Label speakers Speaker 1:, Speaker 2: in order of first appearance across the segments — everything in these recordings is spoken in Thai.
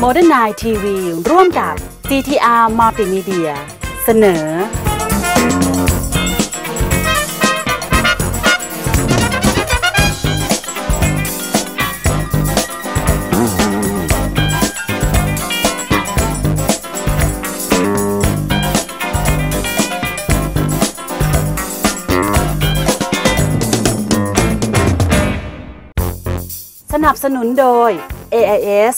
Speaker 1: Modern Night TV ร่วมกับ GTR Multimedia เสนอสนับสนุนโดย AIS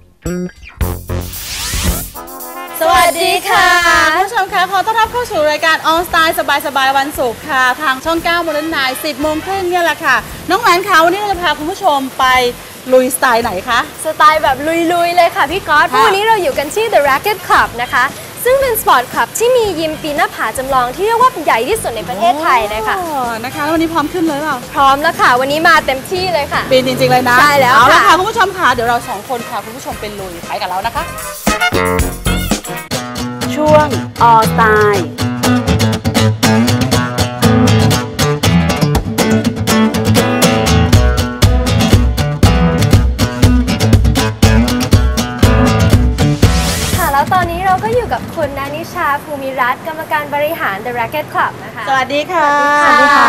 Speaker 2: สวัสดีค่ะผู้ชมคะขอต้อนรับเข้าสู่รายการ On Style สบายๆวันศุกร์ค่ะทางช่อง 9 Modern Night 10 โมงครึ่งเนี่ยแหละค่ะน้องแหวนคะวันนี้เราจะพาคุณผู้ชมไปลุยสไตล์ไหนคะ
Speaker 3: สไตล์แบบลุยๆเลยค่ะพี่ก๊อตวันนี้เราอยู่กันที่ The Racket Club นะคะซึ่งเป็นสปอร์ตคลับที่มียิมปีนหน้าผาจำลองที่เรียกว่าใหญ่ที่สุดในประเทศไทยเลยค่ะ
Speaker 2: นะคะแล้ววันนี้พร้อมขึ้นเลยเปล่า
Speaker 3: พร้อมแล้วค่ะวันนี้มาเต็มที่เลยค่ะ
Speaker 2: ปีนจริงๆเลยนะ
Speaker 3: ใช่แล้ว
Speaker 2: เอาละค่ะคุณผู้ชมค่ะเดี๋ยวเราสองคนพาคุณผู้ชมเป็นลุยไปกับเรานะคะ
Speaker 1: ช่วง All Style
Speaker 3: แล้วตอนนี้เราก็อยู่กับคุณนานิชาภูมิรัตน์กรรมการบริหาร The Racket Club นะคะ
Speaker 2: สวัสดีค่ะ
Speaker 3: สวัสดีค่ะ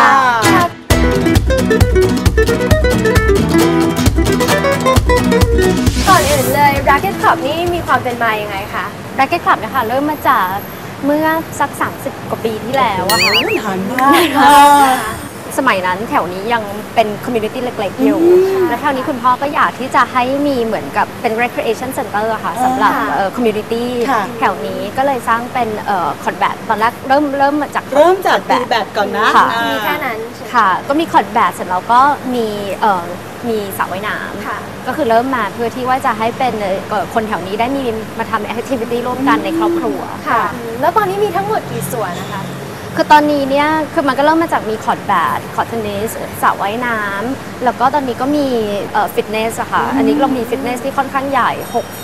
Speaker 3: ก่อนอื่นเลย Racket Club นี่มีความเป็นมายังไงคะ
Speaker 4: Racket Club นะคะเริ่มมาจากเมื่อสัก30 กว่าปีที่แล้วอะค่ะ
Speaker 2: นานมาก
Speaker 4: สมัยนั้นแถวนี้ยังเป็นคอมมูนิตี้เล็กๆอยู่แล้วแถวนี้คุณพ่อก็อยากที่จะให้มีเหมือนกับเป็น recreation center ค่ะสำหรับคอมมูนิตี้แถวนี้ก็เลยสร้างเป็นคอร์ดแบดตอนแรกเริ่มมาจาก
Speaker 2: ตีแบดก่อนนะ
Speaker 3: มีแค่นั้น
Speaker 4: ค่ะก็มีคอร์ดแบดเสร็จแล้วก็มีสระว่ายน้ำก็คือเริ่มมาเพื่อที่ว่าจะให้เป็นคนแถวนี้ได้มีมาทำ activity ร่วมกันในครอบครัว
Speaker 3: ค่ะแล้วตอนนี้มีทั้งหมดกี่ส่วนนะคะ
Speaker 4: คือตอนนี้เนี่ยคือมันก็เริ่มมาจากมีคอร์ดแบดคอร์ดเทนนิสสระว่ายน้ำแล้วก็ตอนนี้ก็มีฟิตเนสอะค่ะอันนี้เรามีฟิตเนสที่ค่อนข้างใหญ่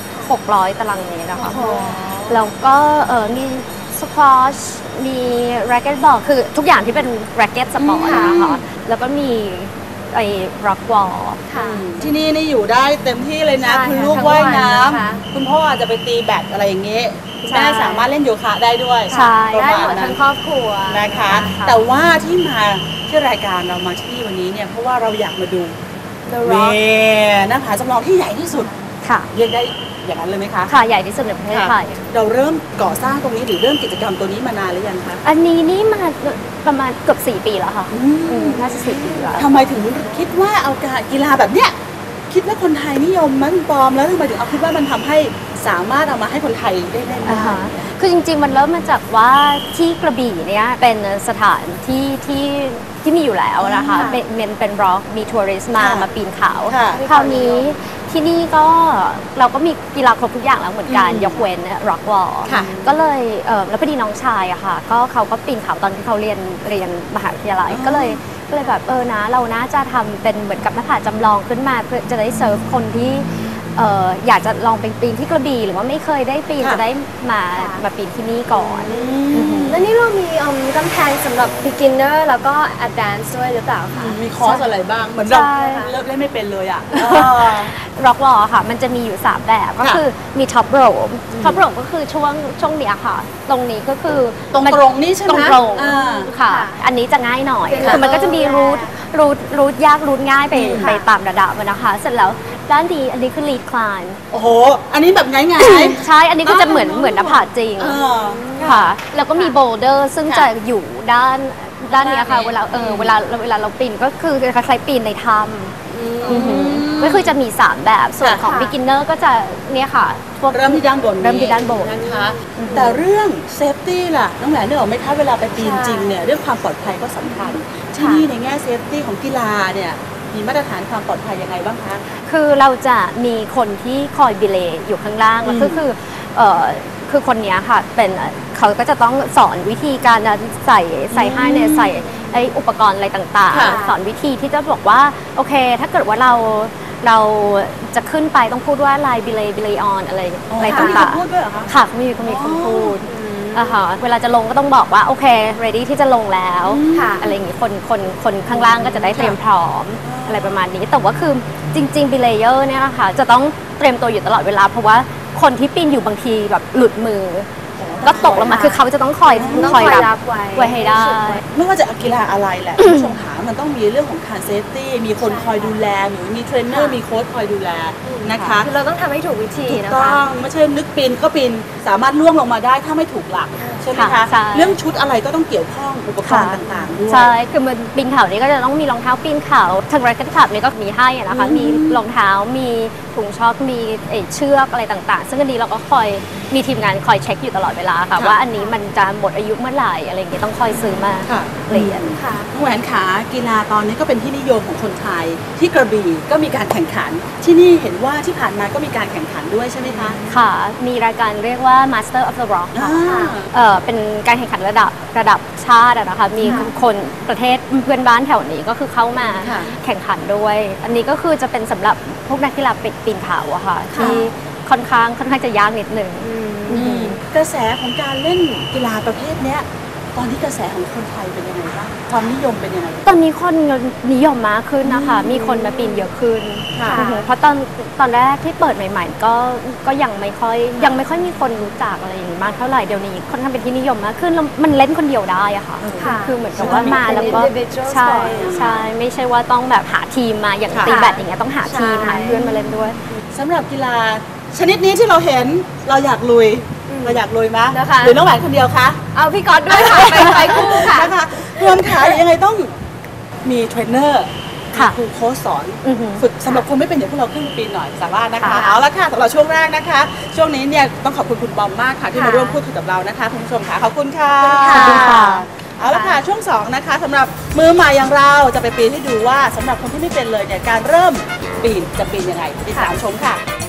Speaker 4: 600 ตารางเมตรนะคะแล้วก็มีสควอชมีแร็กเก็ตบอลคือทุกอย่างที่เป็นแร็กเก็ตสปอร์ตนะคะแล้วก็มีไอ้ร็อกวอล
Speaker 2: ที่นี่อยู่ได้เต็มที่เลยนะคุณลูกว่ายน้ำคุณพ่ออาจจะไปตีแบดอะไรอย่างเงี้ยแม่สามารถเล่นโยคะได้ด้วย
Speaker 3: ได้หมดทั้งครอบครัว
Speaker 2: นะคะแต่ว่าที่มาที่รายการเรามาที่วันนี้เนี่ยเพราะว่าเราอยากมาดูหน้าผาจำลองที่ใหญ่ที่สุดเรียกได้อย่างนั้นเลยไหมคะ
Speaker 4: ค่ะใหญ่ที่สุดในประเทศไทย
Speaker 2: เราเริ่มก่อสร้างตรงนี้หรือเริ่มกิจกรรมตัวนี้มานานหรือยังคะ
Speaker 4: อันนี้นี่มาประมาณเกือบ4 ปีแล้วค่ะน่าจะ4 ปีแล้ว
Speaker 2: ทำไมถึงคิดว่าเอาการกีฬาแบบเนี้ยคิดว่าคนไทยนิยมมันปลอมแล้วทำไมถึงเอาคิดว่ามันทำให้สามารถเอามาให้คนไทยได้เล่นได้
Speaker 4: คือจริงๆมันเริ่มมาจากว่าที่กระบี่เนี่ยเป็นสถานที่มีอยู่แล้วนะคะเป็นร็อกมีทัวริสต์มาปีนเขาคราวนี้ที่นี่ก็เราก็มีกีฬาครบทุกอย่างแล้วเหมือนกันยกเว้นร็อกวอลก็เลยแล้วพอดีน้องชายอะค่ะก็เขาก็ปีนเขาตอนที่เขาเรียนมหาวิทยาลัยก็เลยแบบนะเราน่าจะทำเป็นเหมือนกับหน้าผาจำลองขึ้นมาเพื่อจะได้เซิร์ฟคนที่อยากจะลองไปปีนที่กระบี่หรือว่าไม่เคยได้ปีนจะได้มาปีนที่นี่ก่อน
Speaker 3: แล้วนี่เรามีกำแพงสำหรับ beginner แล้วก็ advanced ด้วยหรือเปล่าคะ
Speaker 2: มีคอร์สอะไรบ้างเหมือนเราเริ่มเล่นไม่เป็นเลยอะ
Speaker 4: ร็อกวอลค่ะมันจะมีอยู่3แบบก็คือมีท็อปโรปก็คือช่วงเนี้ยค่ะตรงนี้ก็คือ
Speaker 2: ตรงนี้ใช่ไหม
Speaker 4: ตรงค่ะอันนี้จะง่ายหน่อยคือมันก็จะมีรูทยากรูทง่ายไปตามระดับนะคะเสร็จแล้วด้านดีอันนี้คือ lead climb
Speaker 2: โอ้โหอันนี้แบบง่าย
Speaker 4: ใช่อันนี้ก็จะเหมือนหน้าผาจริงค่ะแล้วก็มี boulder ซึ่งจะอยู่ด้านนี้ค่ะเวลาเราปีนก็คือคล้ายๆปีนในถ้ำก็คือจะมี3แบบส่วนของ beginner ก็จะเนี่ยค่ะ
Speaker 2: เริ่มที่ด้านบน
Speaker 4: นะคะ
Speaker 2: แต่เรื่อง safety ล่ะน้องแหลนนึกออกไหมคะเวลาไปปีนจริงเนี่ยเรื่องความปลอดภัยก็สำคัญที่นี่ในแง่ safety ของกีฬาเนี่ยมีมาตรฐานความปลอดภัยยังไงบ้างคะ
Speaker 4: คือเราจะมีคนที่คอยบิเลย์อยู่ข้างล่างแล้วคือคนนี้ค่ะเขาก็จะต้องสอนวิธีการใส่ให้เนี่ยใส่ไออุปกรณ์อะไรต่างๆสอนวิธีที่จะบอกว่าโอเคถ้าเกิดว่าเราจะขึ้นไปต้องพูดว่าไลน์บิเลย์ออนอะไรต่างๆค่ะมีคนพูดเวลาจะลงก็ต้องบอกว่าโอเค ready ที่จะลงแล้วอะไรอย่างนี้คนข้างล่างก็จะได้เตรียมพร้อมอะไรประมาณนี้แต่ว่าคือจริงๆ belayer เนี่ยนะคะจะต้องเตรียมตัวอยู่ตลอดเวลาเพราะว่าคนที่ปีนอยู่บางทีแบบหลุดมือ ก็ตกลงมาคือเขาจะต้องคอยรับไว้ให้ได้
Speaker 2: ไม่ว่าจะกีฬาอะไรแหละ คุณผู้ชมหามันต้องมีเรื่องของการเซฟตี้มีคนคอยดูแลมีเทรนเนอร์มีโค้ชคอยดูแลนะคะ
Speaker 3: คือเราต้องทำให้ถูกวิธี
Speaker 2: ถูก
Speaker 3: นะ
Speaker 2: ต้
Speaker 3: คะ
Speaker 2: องไม่ใช่นึกปีนก็ปีนสามารถล่วงลงมาได้ถ้าไม่ถูกหลักใช่ไหมคะ
Speaker 4: ค่ะใช่
Speaker 2: เรื่องชุดอะไรก็ต้องเกี่ยวข้องอุปกรณ์ต่างๆด้วย
Speaker 4: ใช่คือมันปีนเขานี่ก็จะต้องมีรองเท้าปีนเขาทาง Racket Club นี่ก็มีให้อะนะคะมีรองเท้ามีถุงช็อคมีเชือกอะไรต่างๆ ซึ่งอันนี้เราก็คอยมีทีมงานคอยเช็คอยู่ตลอดเวลาค่ะว่าอันนี้มันจะหมดอายุเมื่อไหร่อะไรอย่างเงี้ยต้องคอยซื้อมา
Speaker 2: ค่ะ
Speaker 4: เปลี่ยน
Speaker 3: ค่ะ
Speaker 2: น้องแหวนขากีฬาตอนนี้ก็เป็นที่นิยมของคนไทยที่กระบี่ก็มีการแข่งขันที่นี่เห็นว่าที่ผ่านมาก็มีการแข่งขันด้วยใช่ไหมคะ
Speaker 4: ค่ะ มีรายการเรียกว่า Master of the Rock ค่ะ เป็นการแข่งขันระดับชาติอะนะคะ มีคนประเทศเพื่อนบ้านแถวนี้ก็คือเข้ามา
Speaker 2: ค่ะ
Speaker 4: แข่งขันด้วย อันนี้ก็คือจะเป็นสำหรับพวกนักกีฬาปีนเขาอะค่ะ ที่ค่อนข้างจะยากนิดหนึ่ง
Speaker 2: กระแสของการเล่นกีฬาประเภทเนี้ยตอนนี้กระแสของคนไทยเป็นยังไงบ้างความนิยมเป็นยังไง
Speaker 4: ตอนนี้คนนิยมมากขึ้นนะคะ มีคนมาปีนเยอะขึ้น
Speaker 2: ค่ะ
Speaker 4: อือหือเพราะตอนแรกที่เปิดใหม่ๆก็ยังไม่ค่อยมีคนรู้จักอะไรอย่างนี้มากเท่าไหร่เดี๋ยวนี้ค่อนข้างเป็นที่นิยมมากขึ้นแล้วมันเล่นคนเดียวได้อะค่ะ
Speaker 3: ค่ะ
Speaker 4: คือเหมือนกับว่ามาแล้วก็
Speaker 3: individual
Speaker 4: ใช่
Speaker 3: sport
Speaker 4: ใช่ไม่ใช่ว่าต้องแบบหาทีมมาอย่างตีแบดอย่างเงี้ยต้องหาทีม
Speaker 3: ใช่
Speaker 4: หาเพื่อนมาเล่นด้วย
Speaker 2: สำหรับกีฬาชนิดนี้ที่เราเห็นเราอยากลุยเราอยากลุยมั้ย
Speaker 3: นะคะ
Speaker 2: หรือน้องแหวนคนเดียวคะ
Speaker 3: เอาพี่ก๊อตด้วยค่ะ ไปคู่ค่ะ
Speaker 2: นะคะรวมขายังไงต้องมีเทรนเนอร์
Speaker 4: ค่ะ
Speaker 2: ครูโค้ชสอน
Speaker 4: อือหือ
Speaker 2: ฝึกสำหรับคนไม่เป็นอย่างพวกเราขึ้นปีนหน่อยสามารถนะคะ
Speaker 4: ค่ะ
Speaker 2: เอาละค่ะสำหรับช่วงแรกนะคะ ช่วงนี้เนี่ยต้องขอบคุณคุณบอมมากค่ะที่
Speaker 3: ค่ะ
Speaker 2: มาร่วมพูดคุยกับเรานะคะคุณผู้ชมค่ะขอบคุณค่ะ
Speaker 4: ขอบคุณค่ะ
Speaker 2: เอาละค่ะช่วง2นะคะสำหรับมือใหม่อย่างเราจะไปปีนให้ดูว่าสำหรับคนที่ไม่เป็นเลยเนี่ยการเริ่มปีนจะปีนยังไงติดตามชมค่ะ